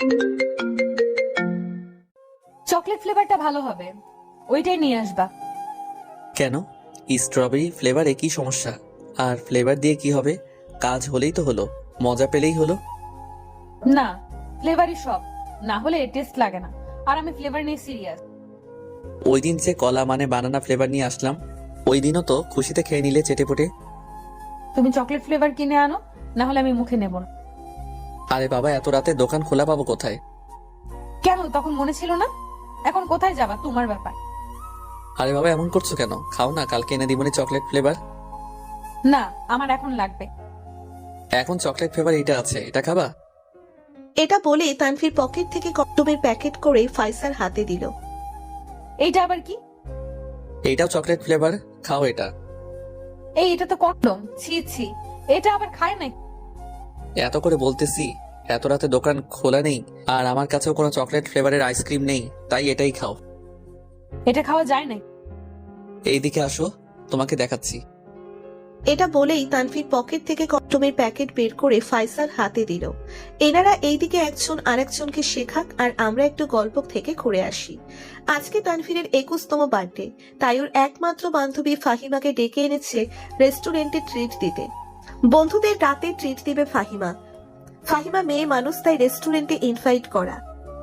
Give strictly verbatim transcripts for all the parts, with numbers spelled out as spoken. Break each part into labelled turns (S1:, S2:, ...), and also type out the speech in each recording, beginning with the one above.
S1: Chocolate ফ্লেভারটা ভালো হবে, ওইটাই নিয়ে আসবা।
S2: কেন? স্ট্রবেরি ফ্লেভারে কি সমস্যা? আর ফ্লেভার দিয়ে কি হবে? কাজ হলেই তো হলো, মজা পেলেই হলো।
S1: না, ফ্লেভারই সব, না হলে টেস্ট লাগে না। আর আমি ফ্লেভার নিয়ে সিরিয়াস।
S2: ওই দিন যে কলা মানে বানানা ফ্লেভার নিয়ে আসলাম, ওই দিনও তো খুশিতে খেয়ে নিলে চেটেপুটে।
S1: তুমি চকলেট ফ্লেভার কিনে আনো, না হলে আমি মুখে নেব না।
S2: আরে বাবা, এত রাতে দোকান খোলা পাবো কোথায়?
S1: কেন, তখন মনে ছিল না? এখন কোথায় যাবা তোমার ব্যাপার।
S2: আরে বাবা, এমন করছো কেন? খাও না, কালকে এনে দিবনি চকলেট ফ্লেভার।
S1: না, আমার এখন লাগবে।
S2: এখন চকলেট ফ্লেভার এটা আছে, এটা খাবা?
S3: এটা বলে তানভীর পকেট থেকে কন্ডোমের প্যাকেট করে ফাইসার হাতে দিল।
S1: এইটা আবার কি?
S2: এইটাও চকলেট ফ্লেভার, খাও এটা।
S1: এই, এটা তো কন্ডম, ছি ছি, এটা আবার খায় না।
S2: এত করে বলতেছি, এত রাতে দোকান খোলা নেই, আর আমার কাছেও কোনো চকলেট ফ্লেভারের আইসক্রিম নেই, তাই এটাই খাও।
S1: এটা খাওয়া যায় না।
S2: এইদিকে আসো, তোমাকে দেখাচ্ছি।
S3: এটা বলেই তানভীর পকেট থেকে কন্ডোমের প্যাকেট বের করে ফাইসার হাতে দিল। এনারা এইদিকে একজন আরেকজনকে শেখাক, আর আমরা একটু গল্প থেকে ঘুরে আসি। আজকে তানভীরের একুশতম বার্থডে, তাই ওর একমাত্র বান্ধবী ফাহিমাকে ডেকে এনেছে রেস্টুরেন্টে ট্রিট দিতে। বন্ধুদের রাতে ট্রিট দিবে ফাহিমা। ফাহিমা মেয়ে মানুষ, তাই রেস্টুরেন্টে ইনভাইট করা।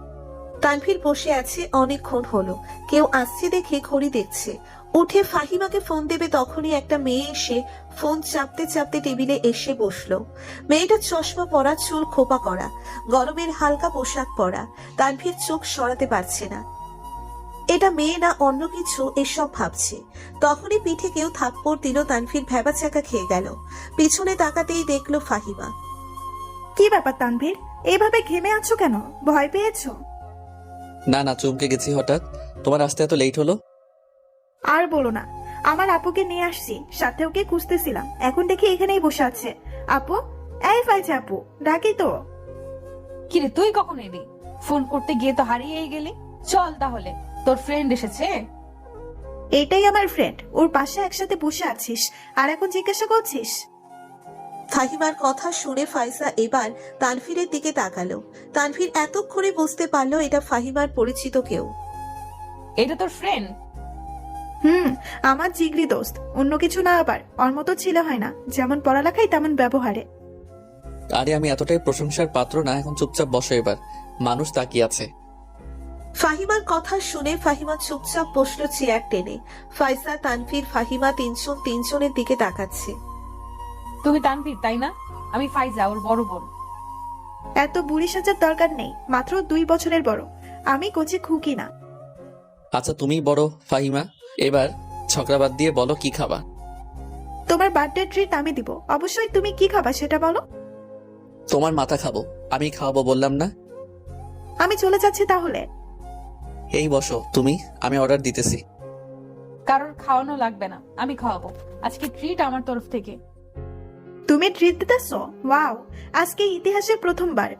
S3: তানভীর বসে আছে অনেকক্ষণ হলো, কেউ আসছে দেখে ঘড়ি দেখছে। উঠে ফাহিমাকে ফোন দেবে তখনই একটা মেয়ে এসে ফোন চাপতে চাপতে টেবিলে এসে বসলো। মেয়েটা চশমা পরা, চুল খোপা করা, গরমের হালকা পোশাক পরা। তানভীর চোখ সরাতে পারছে না, এটা মেয়ে না অন্য কিছু এসব ভাবছে। তখনই পিঠে কেউ থাপ্পড় দিল, তানভীর ভ্যাবাচাকা খেয়ে গেল। পিছনে তাকাতেই দেখলো ফাহিমা।
S4: কি ব্যাপার তানভীর, এইভাবে ঘেমে আছো কেন? ভয় পেয়েছো?
S2: না না, চমকে গেছি হঠাৎ। তোমার আসতে এত লেট হলো?
S4: আর বলো না, আমার আপুকে নিয়ে আসছি, সাথে ওকে খুঁজতেছিলাম, এখন দেখি এখানেই বসে আছে। আপু, এই ফাইছে আপু, ডাকি তো।
S1: কিরে, তুই কখন এলি? ফোন করতে গিয়ে তো হারিয়েই গেলি। চল তাহলে, তোর ফ্রেন্ড এসেছে।
S4: এটাই আমার ফ্রেন্ড, ওর পাশে একসাথে বসে আছিস আর এখন জিজ্ঞাসা করছিস?
S3: ফাহিমার কথা শুনে ফাইসা এবার তানভীরের দিকে তাকালো। তানভীর এতক্ষণে বুঝতে পারলো এটা ফাহিমার পরিচিত কেউ।
S1: এটা তোর ফ্রেন্ড?
S4: হুম, আমার জিগরি দোস্ত, অন্য কিছু না আবার। ওর মতো ছেলে হয় না, যেমন পড়ালেখায় তেমন ব্যবহারে।
S2: আরে আমি এতটাই প্রশংসার পাত্র না, এখন চুপচাপ বসো এবার, মানুষ তাকিয়ে আছে।
S3: ফাহিমার কথা শুনে ফাহিমা চুপচাপ বসলো চেয়ার টেনে। ফাইসা, তানভীর, ফাহিমা তিনজন তিনজনের দিকে তাকাচ্ছে।
S1: তুমি তানভীর তাই না? আমি ফাইজা, ওর বড় বোন।
S4: এত বুড়ি সাজার দরকার নেই, মাত্র দুই বছরের বড়। আমি কোচে খুকি না।
S2: আচ্ছা তুমিই বড় ফাহিমা, এবার ছকরা বাদ দিয়ে বলো কি খাবা।
S4: তোমার বার্থডে ট্রিট আমি দিব, অবশ্যই তুমি কি খাবা সেটা বলো।
S2: তোমার মাথা খাবো, আমি খাওয়াবো বললাম না?
S4: আমি চলে যাচ্ছি তাহলে।
S2: এই বসো তুমি, আমি অর্ডার দিতেছি।
S1: কারোর খাওয়ানো লাগবে না, আমি খাওয়াবো। আজকে ট্রিট আমার তরফ থেকে।
S4: তুমি ট্রিট দিতেছো? ওয়াও, আজকে ইতিহাসে প্রথমবার।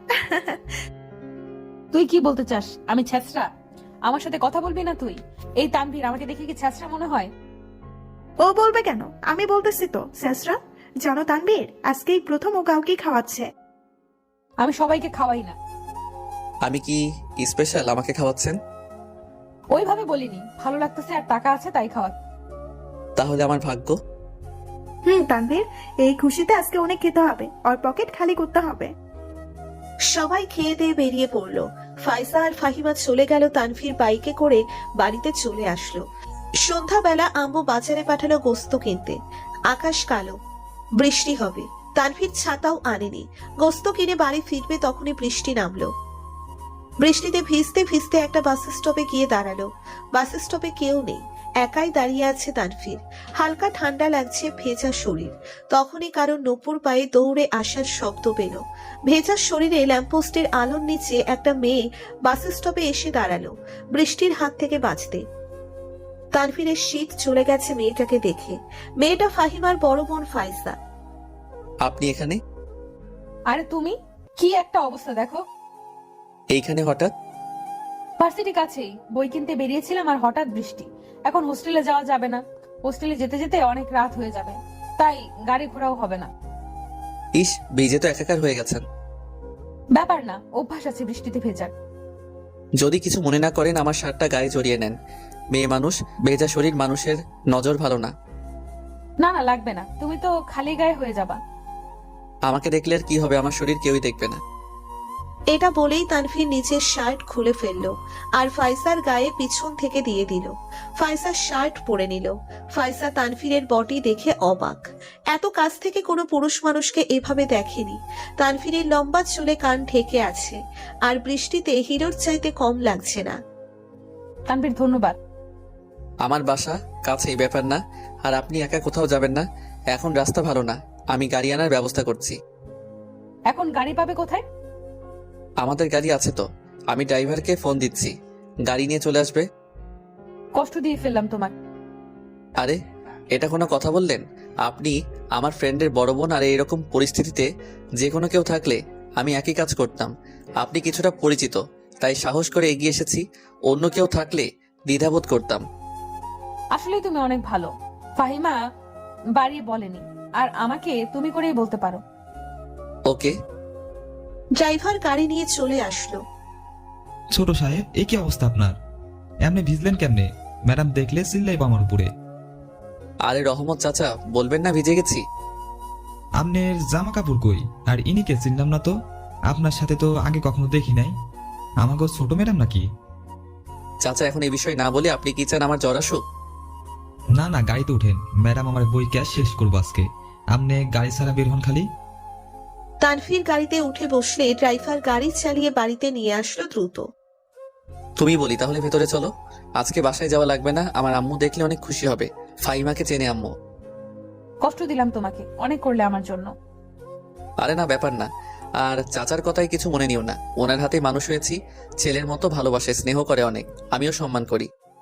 S1: তুই কি বলতে চাস? আমি ছ্যাঁচড়া? আমার সাথে কথা বলবি না তুই। এই তানভীর, আমাকে দেখে কি ছ্যাঁচড়া মনে হয়?
S4: ও বলবে কেন, আমি বলতেছি তো শেষরা। জানো তানবীর, আজকেই প্রথম ও কাউকে খাওয়াচ্ছে।
S1: আমি সবাইকে খাওয়াই না।
S2: আমি কি স্পেশাল আমাকে খাওয়াচ্ছেন?
S1: ওইভাবে বলিনি, ভালো লাগতেছে আর টাকা আছে তাই খাওয়া।
S2: তাহলে আমার ভাগ্য।
S4: হুম তানবীর, এই খুশিতে আজকে অনেক খেতে হবে, ওর পকেট খালি করতে হবে।
S3: সবাই খেয়ে দিয়ে বেরিয়ে পড়লো। ফাইসা আর ফাহিমা চলে গেল, তানভীর বাইকে করে বাড়িতে চলে আসলো। সন্ধ্যাবেলা আম্মু বাজারে পাঠালো গোস্ত কিনতে। আকাশ কালো, বৃষ্টি হবে। তানভীর ছাতাও আনেনি। গোস্ত কিনে বাড়ি ফিরবে তখনই বৃষ্টি নামলো। বৃষ্টিতে ভিজতে ভিজতে একটা বাস স্টপে গিয়ে দাঁড়ালো। বাস স্টপে কেউ নেই, একাই দাঁড়িয়ে আছে তানভীর। হালকা ঠান্ডা লাগছে, ভেজা শরীর। তখনই কারো নূপুর পায়ে দৌড়ে আসার শব্দ পেল। ভেজা শরীরে ল্যাম্পপোস্টের আলোর নিচে একটা মেয়ে বাস স্টপে এসে দাঁড়ালো, বৃষ্টির হাত থেকে বাঁচতে। তানভীরের শীত চলে গেছে মেয়েটাকে দেখে। মেয়েটা ফাহিমার বড় বোন ফাইসা।
S2: আপনি এখানে?
S1: আরে তুমি, কি একটা অবস্থা দেখো।
S2: এইখানে হঠাৎ?
S1: ভার্সিটি কাছেই, বই কিনতে বেরিয়েছিলাম আর হঠাৎ বৃষ্টি। এখন হোস্টেলে যাওয়া যাবে না, হোস্টেলে যেতে যেতে অনেক রাত হয়ে যাবে, তাই গাড়ি ঘোরাও হবে না।
S2: ইস, ভিজে তো একাকার হয়ে গেছেন।
S1: ব্যাপার না, অভ্যাস আছে বৃষ্টিতে ভেজার।
S2: যদি কিছু মনে না করেন আমার শার্টটা গায়ে জড়িয়ে নেন। মেয়ে মানুষ, ভেজা শরীর মানুষের নজর ভালো না।
S1: না না, লাগবে না, তুমি তো খালি গায়ে হয়ে যাবা।
S2: আমাকে দেখলে আর কি হবে, আমার শরীর কেউই দেখবে না।
S3: এটা বলেই তানভীর নিচের শার্ট খুলে ফেললো আর ফাইসার গায়ে পিছন থেকে দিয়ে দিল। ফাইসা শার্ট পরে নিল। ফাইসা তানভীরের বডি দেখে অবাক। এত কাছ থেকে কোনো পুরুষ মানুষকে এভাবে দেখেনি। তানভীরের লম্বা চুলে কান ঢেকে আছে আর বৃষ্টিতে হিরোর চাইতে কম লাগছে না।
S1: তানভীর ধন্যবাদ।
S2: আমার বাসা কাছেই, ব্যাপার না। আর আপনি একা কোথাও যাবেন না। এখন রাস্তা ভালো না, আমি গাড়ি আনার ব্যবস্থা করছি।
S1: এখন গাড়ি পাবে কোথায়?
S2: আমাদের গাড়ি আছে তো, আমি ড্রাইভারকে ফোন দিচ্ছি, গাড়ি নিয়ে চলে আসবে।
S1: কষ্ট দিয়ে ফেললাম তোমার।
S2: আরে এটা কোনো কথা বললেন? আপনি আমার ফ্রেন্ডের বড় বোন, আর এরকম পরিস্থিতিতে যে কোনো কেউ থাকলে আমি একই কাজ করতাম। আপনি কিছুটা পরিচিত, তাই সাহস করে এগিয়ে এসেছি। অন্য কেউ থাকলে দ্বিধাবোধ করতাম।
S1: আসলেই তুমি অনেক ভালো। ফাহিমা বাড়িয়ে বলেনি, আর আমাকে তুমি করেই বলতে পারো।
S2: ওকে।
S3: ড্রাইভার গাড়ি নিয়ে চলে আসলো।
S5: ছোট সাহেব, এ কি অবস্থা আপনার? এমনি ভিজলেন কেমনে? ম্যাডাম দেখলে চিল্লাইব আমার উপরে।
S2: আরে রহমত চাচা, বলবেন না ভিজে গেছি।
S5: আপনার জামা কাপড় কই? আর ইনিকে চিনলাম না তো। আপনার সাথে তো আগে কখনো দেখি নাই। আমাকে ছোট ম্যাডাম নাকি?
S2: চাচা এখন এই বিষয় না বলে আপনি কি চান আমার জ্বর আসুক?
S5: না না, গাড়িতে উঠেন। ম্যাডাম আমার বই ক্যাশ শেষ করবো আজকে। আপনি গাড়ি ছাড়া বের হন খালি।
S3: তানভীর গাড়িতে উঠে বসলে ড্রাইভার গাড়ি চালিয়ে বাড়িতে নিয়ে আসলো দ্রুত।
S2: তুমি বলি তাহলে ভেতরে চলো। আজকে বাসায় যাওয়া লাগবে না, আমার আম্মু দেখলে অনেক খুশি হবে। ফাইমাকে চেনে আম্মু।
S1: কষ্ট দিলাম তোমাকে, অনেক করলে আমার জন্য।
S2: আরে না, ব্যাপার না। আর চাচার কথাই কিছু মনে নিও না, ওনার হাতে মানুষ হয়েছি। ছেলের মতো ভালোবাসে, স্নেহ করে অনেক, আমিও সম্মান করি।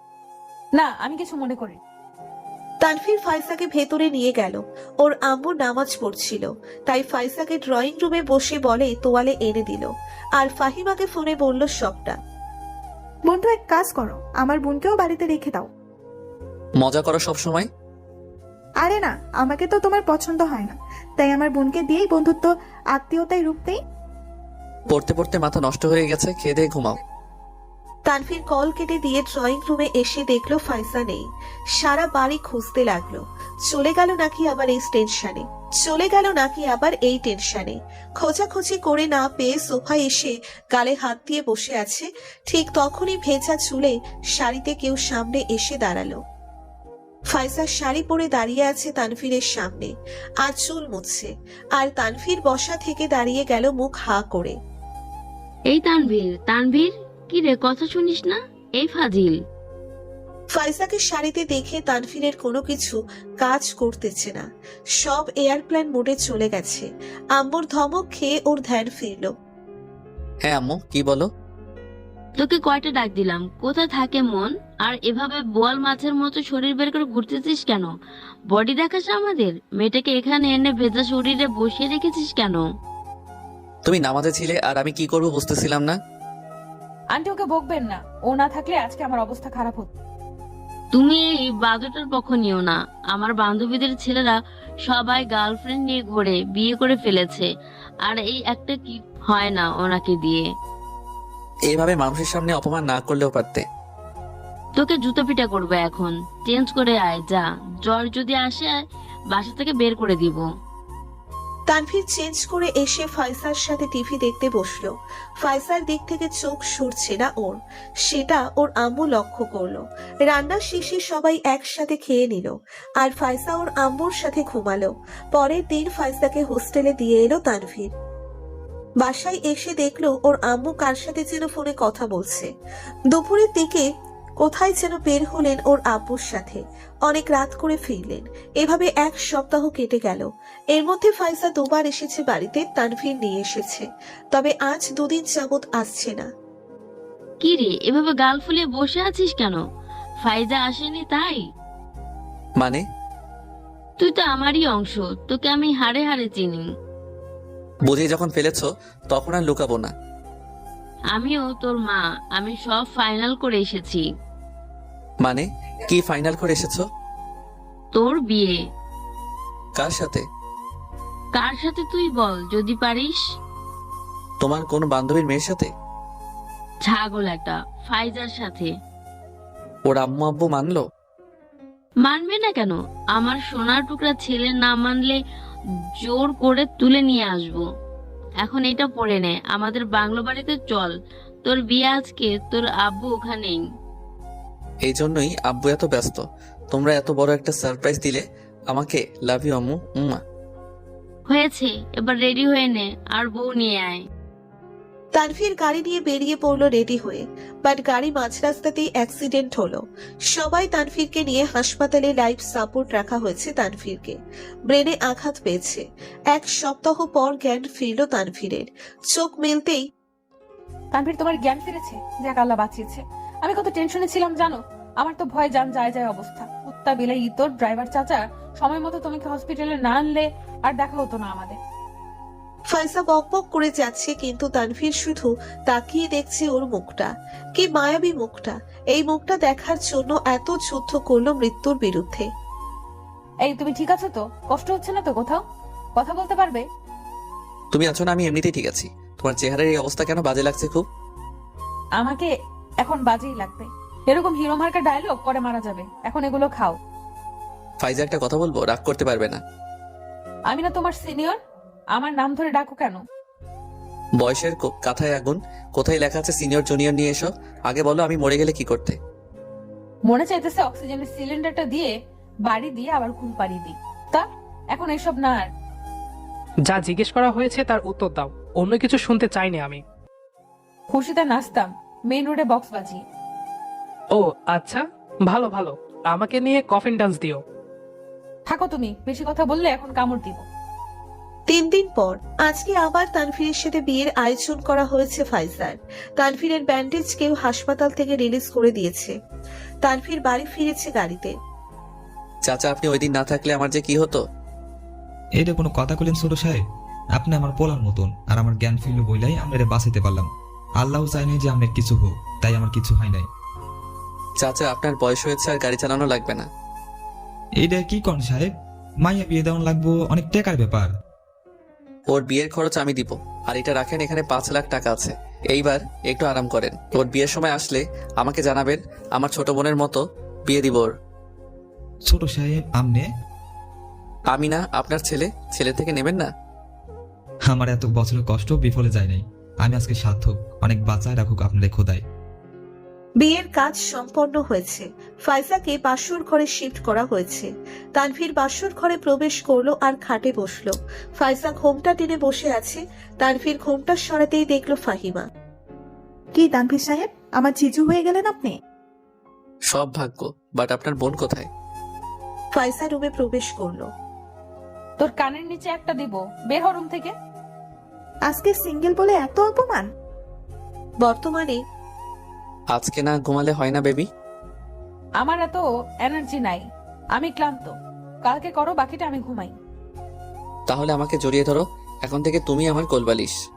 S1: না, আমি কিছু মনে করি।
S3: তানভীর ফাইসাকে ভেতরে নিয়ে গেল। ওর আম্মু নামাজ পড়ছিল, তাই ফাইসাকে ড্রয়িং রুমে বসে বলে তোয়ালে এনে দিল আর ফাহিমাকে ফোনে বলল সবটা।
S4: বন্ধু, এক কাজ করো, আমার বোনকেও বাড়িতে রেখে দাও।
S2: মজা করো সব সময়।
S4: আরে না, আমাকে তো তোমার পছন্দ হয় না, তাই আমার বোনকে দিয়েই বন্ধুত্ব আত্মীয়তায় রূপ দেই।
S2: পড়তে পড়তে মাথা নষ্ট হয়ে গেছে, খেয়ে দিয়ে ঘুমাও।
S3: তানভীর কল কেটে দিয়ে ড্রয়িং রুমে এসে দেখলো ফাইসা নেই। সারা বাড়ি খুঁজতে লাগলো। চলে গেল নাকি আবার এই টেনশনে চলে গেল নাকি আবার এই টেনশনে খোঁজাখুঁজি করে না পেয়ে সোফায় এসে গালে হাত দিয়ে বসে আছে। ঠিক তখনই ভেজা চুলে শাড়িতে কেউ সামনে এসে দাঁড়ালো। ফাইসা শাড়ি পরে দাঁড়িয়ে আছে তানভীরের সামনে আর চুল মুছছে, আর তানভীর বসা থেকে দাঁড়িয়ে গেল মুখ হা করে।
S6: এই তানভীর, তানভীর, কি রে, কথা শুনিস না? এই ফাজিল।
S3: ফাইসাকে শাড়িতে দেখে তানভীরের কোনো কিছু কাজ করতেছে না, সব এয়ারপ্লেন মোডে চলে গেছে। আম্মুর ধমক খেয়ে ওর ধ্যান ফিরল।
S2: হ্যাঁ আম্মু, কি বলো?
S6: তোকে কয়টা ডাক দিলাম, কোথায় থাকে মন? আর এভাবে বোয়াল মাছের মতো শরীর বের করে ঘুরতেছিস কেন? বডি দেখাস আমাদের? মেয়েটাকে এখানে এনে ভেজা শরীরে বসিয়ে রেখেছিস কেন?
S2: তুমি নামাজে ছিলে আর আমি কি করবো বুঝতেছিলাম না।
S1: আন্টি ওকে বকবেন না, ও না থাকলে আজকে আমার অবস্থা খারাপ হতো।
S6: তুমি এই বাজুটার পক্ষ নিও না। আমার বান্ধবীদের ছেলেরা সবাই গার্লফ্রেন্ড নিয়ে ঘোরে, বিয়ে করে ফেলেছে, আর এই একটা কি হয় না ওনাকে দিয়ে।
S2: এইভাবে মানুষের সামনে অপমান না করলেও পারতে।
S6: তোকে জুতো পিটা করবে এখন। চেঞ্জ করে আয়, যা। জ্বর যদি আসে বাসা থেকে বের করে দিব।
S3: তানভীর চেঞ্জ করে এসে ফাইসার সাথে টিভি দেখতে বসলো। ফাইসার দিক থেকে চোখ সরছে না ওর, সেটা ওর আম্মু লক্ষ্য করলো। রান্নার শেষে সবাই একসাথে খেয়ে নিল আর ফাইসা ওর আম্মুর সাথে ঘুমালো। পরের দিন ফাইসাকে হোস্টেলে দিয়ে এলো তানভীর। বাসায় এসে দেখলো ওর আম্মু কার সাথে যেন ফোনে কথা বলছে। দুপুরের দিকে কোথায় যেন বের হলেন ওর আব্বুর সাথে, অনেক রাত করে ফিরলেন। এভাবে এক সপ্তাহ কেটে গেল। এর মধ্যে ফাইসা দুবার এসেছে বাড়িতে, তানভীর নিয়ে এসেছে, তবে আজ দুদিন যাবত আসছে না।
S6: কি রে, এভাবে গাল ফুলিয়ে বসে আছিস কেন? ফাইজা আসেনি তাই?
S2: মানে?
S6: তুই তো আমারই অংশ, তোকে আমি হাড়ে হাড়ে চিনি।
S2: বুঝে যখন ফেলেছো তখন আর লুকাবো না।
S6: আমিও তোর মা, আমি সব ফাইনাল করে এসেছি।
S2: মানে কি ফাইনাল করে এসেছো?
S6: তোর বিয়ে।
S2: কার সাথে?
S6: কার সাথে তুই বল যদি পারিস।
S2: তোমার কোন বান্ধবীর মেয়ের সাথে?
S6: ছাগল একটা, ফাইজার সাথে।
S2: ওর আম্মু আব্বু মানলো?
S6: মানবে না কেন? আমার সোনার টুকরা ছেলে না মানলে জোর করে তুলে নিয়ে আসবো। এখন এটা পড়ে নে, আমাদের বাংলো বাড়িতে চল। তোর বিয়ে আজকে, তোর আব্বু ওখানেই।
S2: এই জন্যই আব্বু এত ব্যস্ত। তোমরা এত বড় একটা সারপ্রাইজ দিলে আমাকে। লাভ ইউ আম্মু। উম্মা।
S6: হয়েছে, এবার রেডি হয়ে নে আর বউ নিয়ে আয়।
S3: তানভীর গাড়ি নিয়ে বেরিয়ে পড়লো রেডি হয়ে, বাট গাড়ি মাঝ রাস্তাতেই অ্যাক্সিডেন্ট হলো। সবাই তানভীরকে নিয়ে হাসপাতালে লাইফ সাপোর্ট রাখা হয়েছে। তানভীরকে ব্রেনে আঘাত পেয়েছে। এক সপ্তাহ পর জ্ঞান ফিরল তানভীরের। চোখ মেলতেই
S1: তানভীর, তোমার জ্ঞান ফিরেছে? যাক, আল্লাহ বাঁচিয়েছে। আমি কত টেনশনে ছিলাম জানো। আমার তো ভয় জান যায় যায় অবস্থা। কুত্তা বিলাই ইতর ড্রাইভার চাচা সময় মতো তোমাকে হসপিটালে না আনলে আর দেখা হতো না আমাদের।
S3: ফাইসা বকবক করে যাচ্ছে, কিন্তু তানভীর শুধু তাকিয়ে দেখছে ওর মুখটা। কি মায়াবী মুখটা! এই মুখটা দেখার জন্য এত যুদ্ধ করলো মৃত্যুর বিরুদ্ধে।
S1: এই, তুমি ঠিক আছো তো? কষ্ট হচ্ছে না তো কোথাও? কথা বলতে পারবে?
S2: তুমি আছো না? আমি এমনিতেই ঠিক আছি। তোমার চেহারার এই অবস্থা কেন বাজে লাগছে খুব?
S1: আমাকে এখন বাজেই লাগবে। এরকম হিরো মার্কা ডায়লগ পরে মারা যাবে। এখন এগুলো খাও।
S2: ফাইজা, একটা কথা বলবো, রাগ করতে পারবে না?
S1: আমি না তোমার সিনিয়র? আমার নাম ধরে ডাকো কেন?
S2: বয়সের কো- কাঁথায় আগুন। কোথায় লেখা আছে সিনিয়র জুনিয়র নিয়ে এসো? আগে বলো আমি মরে গেলে কি করতে?
S1: মনে চাইতেছে অক্সিজেনের সিলিন্ডারটা দিয়ে বাড়ি দিয়ে আবার ঘুম পাড়িয়ে দিই। তা এখন এসব না আর।
S7: যা জিজ্ঞেস করা হয়েছে তার উত্তর দাও, অন্য কিছু শুনতে চাইনি আমি।
S1: খুশিতে নাচতাম মেইন রোডে বক্স বাজিয়ে।
S7: ও আচ্ছা, ভালো ভালো। আমাকে নিয়ে কফিন ডান্স দিও।
S1: থাকো তুমি, বেশি কথা বললে এখন কামড় দিব।
S3: তিন দিন পর আজকে আবার তানভীরের সাথে বিয়ের আয়োজন করা হয়েছে ফাইজার। তানভীরের ব্যান্ডেজ কেউ হাসপাতাল থেকে রিলিজ করে দিয়েছে। তানভীর বাড়ি ফিরেছে গাড়িতে।
S2: চাচা, আপনি ওই দিন না থাকলে আমার যে কি হতো।
S5: এটা কোনো কথা কইলেন ছোট সাহেব? আপনি আমার পোলার মতন, আর আমার জ্ঞান ফিরল বইলাই আমরা বাঁচাইতে পারলাম। আল্লাহ চাইনি যে আমার কিছু হোক, তাই আমার কিছু হয় নাই।
S2: চাচা, আপনার বয়স হয়েছে আর গাড়ি চালানো লাগবে না।
S5: এইটা কি কন সাহেব? মাইয়া বিয়ে দেওয়ান লাগবো, অনেক টাকার ব্যাপার।
S2: ওর বিয়ের খরচ আমি দিব। আর এটা রাখেন, এখানে পাঁচ লাখ টাকা আছে। এইবার একটু আরাম করেন। ওর বিয়ের সময় আসলে আমাকে জানাবেন। আমার ছোট বোনের মতো বিয়ে দিব ওর।
S5: ছোট সাহেব আমনে?
S2: আমি না, আপনার ছেলে। ছেলে থেকে নেবেন না?
S5: আমার এত বছরের কষ্ট বিফলে যায় নাই। আমি আজকে সার্থক। অনেক বাঁচায় রাখুক আপনাদের খোদায়।
S3: বিয়ের কাজ সম্পন্ন হয়েছে। ফাইজাকে বাসর ঘরে শিফট করা হয়েছে। তানভীর বাসর ঘরে প্রবেশ করলো আর খাটে বসলো। ফাইজা ঘোমটা টেনে বসে আছে। তানভীর ঘোমটা সরাতেই দেখলো ফাহিমা।
S4: কি তানভীর সাহেব, আমার জিজু হয়ে গেলেন আপনি?
S2: সব ভাগ্য। বাট আপনার বোন কোথায়?
S3: ফাইজা রুমে প্রবেশ করলো।
S1: তোর কানের নিচে একটা দিব, বের হ রুম থেকে।
S4: আজকে সিঙ্গেল বলে এত অপমান?
S3: বর্তমানে
S2: আজকে না ঘুমালে হয় না বেবি?
S1: আমার এত এনার্জি নাই, আমি ক্লান্ত। কালকে করো, বাকিটা আমি ঘুমাই।
S2: তাহলে আমাকে জড়িয়ে ধরো। এখন থেকে তুমি আমার কোলবালিশ।